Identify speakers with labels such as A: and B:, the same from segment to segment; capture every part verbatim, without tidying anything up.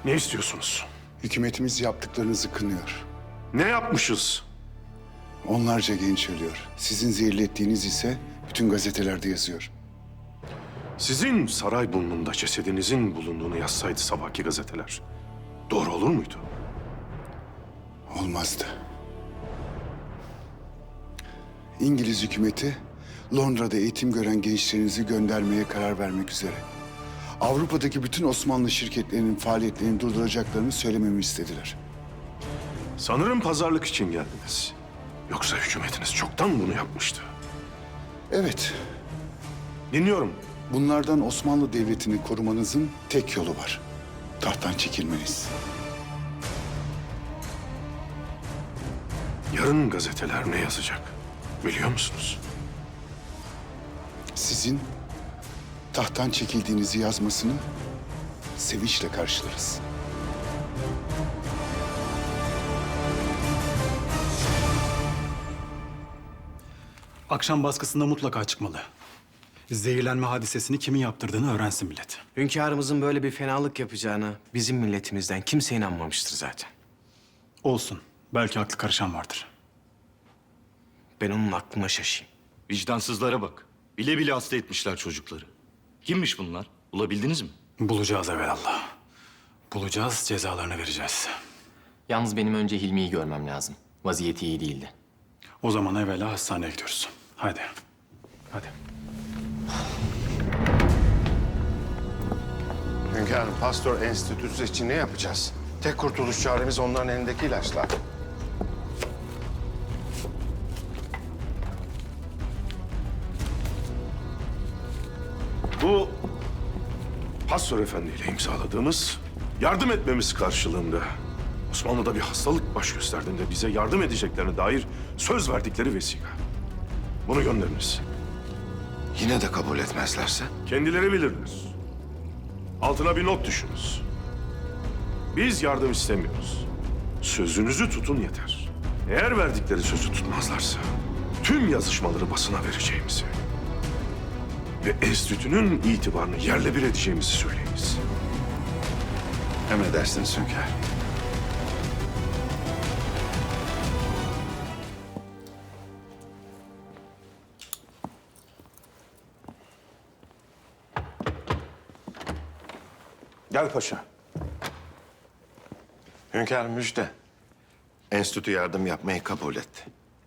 A: Ne istiyorsunuz?
B: Hükümetimiz yaptıklarınızı kınıyor.
A: Ne yapmışız?
B: Onlarca genç ölüyor. Sizin zehirlettiğiniz ise bütün gazetelerde yazıyor.
A: Sizin Sarayburnu'nda cesedinizin bulunduğunu yazsaydı sabahki gazeteler, doğru olur muydu?
B: Olmazdı. İngiliz hükümeti Londra'da eğitim gören gençlerinizi göndermeye karar vermek üzere. Avrupa'daki bütün Osmanlı şirketlerinin faaliyetlerini durduracaklarını söylememi istediler.
A: Sanırım pazarlık için geldiniz. Yoksa hükümetiniz çoktan bunu yapmıştı.
B: Evet,
A: Dinliyorum.
B: bunlardan Osmanlı Devleti'ni korumanızın tek yolu var. Tahttan çekilmeniz.
A: Yarın gazeteler ne yazacak? Biliyor musunuz?
B: Sizin tahttan çekildiğinizi yazmasını sevinçle karşılarız.
C: Akşam baskısında mutlaka çıkmalı. Zehirlenme hadisesini kimin yaptırdığını öğrensin millet.
D: Hünkârımızın böyle bir fenalık yapacağına bizim milletimizden kimse inanmamıştır zaten.
C: Olsun. Belki aklı karışan vardır.
D: Ben onun aklıma şaşayım.
E: Vicdansızlara bak. Bile bile hasta etmişler çocukları. Kimmiş bunlar? Bulabildiniz mi?
C: Bulacağız evvelallah. Bulacağız, cezalarını vereceğiz.
F: Yalnız benim önce Hilmi'yi görmem lazım. Vaziyeti iyi değildi.
C: O zaman evvela hastaneye gidiyoruz. Hadi. Hadi.
G: Hünkârım, Pasteur Enstitüsü için ne yapacağız? Tek kurtuluş çaremiz onların elindeki ilaçlar.
A: Bu Pasteur Efendi ile imzaladığımız yardım etmemiz karşılığında Osmanlı'da bir hastalık baş gösterdiğinde bize yardım edeceklerine dair söz verdikleri vesika. Bunu gönderiniz.
G: Yine de kabul etmezlerse?
A: Kendileri bilirler. Altına bir not düşünüz. Biz yardım istemiyoruz. Sözünüzü tutun yeter. Eğer verdikleri sözü tutmazlarsa tüm yazışmaları basına vereceğimizi ve enstitünün itibarını yerle bir edeceğimizi söyleyiniz.
G: Emredersiniz hünkârım.
A: Gel paşa.
G: Hünkârım müjde. Enstitü yardım yapmayı kabul etti.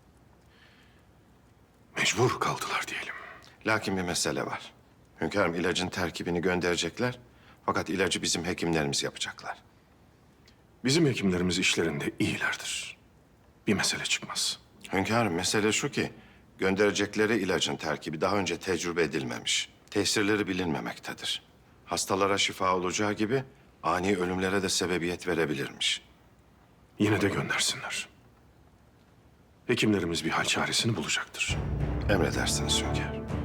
A: Mecbur kaldılar diyelim.
G: Lakin bir mesele var. Hünkârım ilacın terkibini gönderecekler. Fakat ilacı bizim hekimlerimiz yapacaklar.
A: Bizim hekimlerimiz işlerinde iyilerdir. Bir mesele çıkmaz.
G: Hünkârım mesele şu ki... gönderecekleri ilacın terkibi daha önce tecrübe edilmemiş. Tesirleri bilinmemektedir. Hastalara şifa olacağı gibi ani ölümlere de sebebiyet verebilirmiş.
A: Yine de göndersinler. Hekimlerimiz bir hal çaresini bulacaktır.
G: Emredersiniz hünkârım.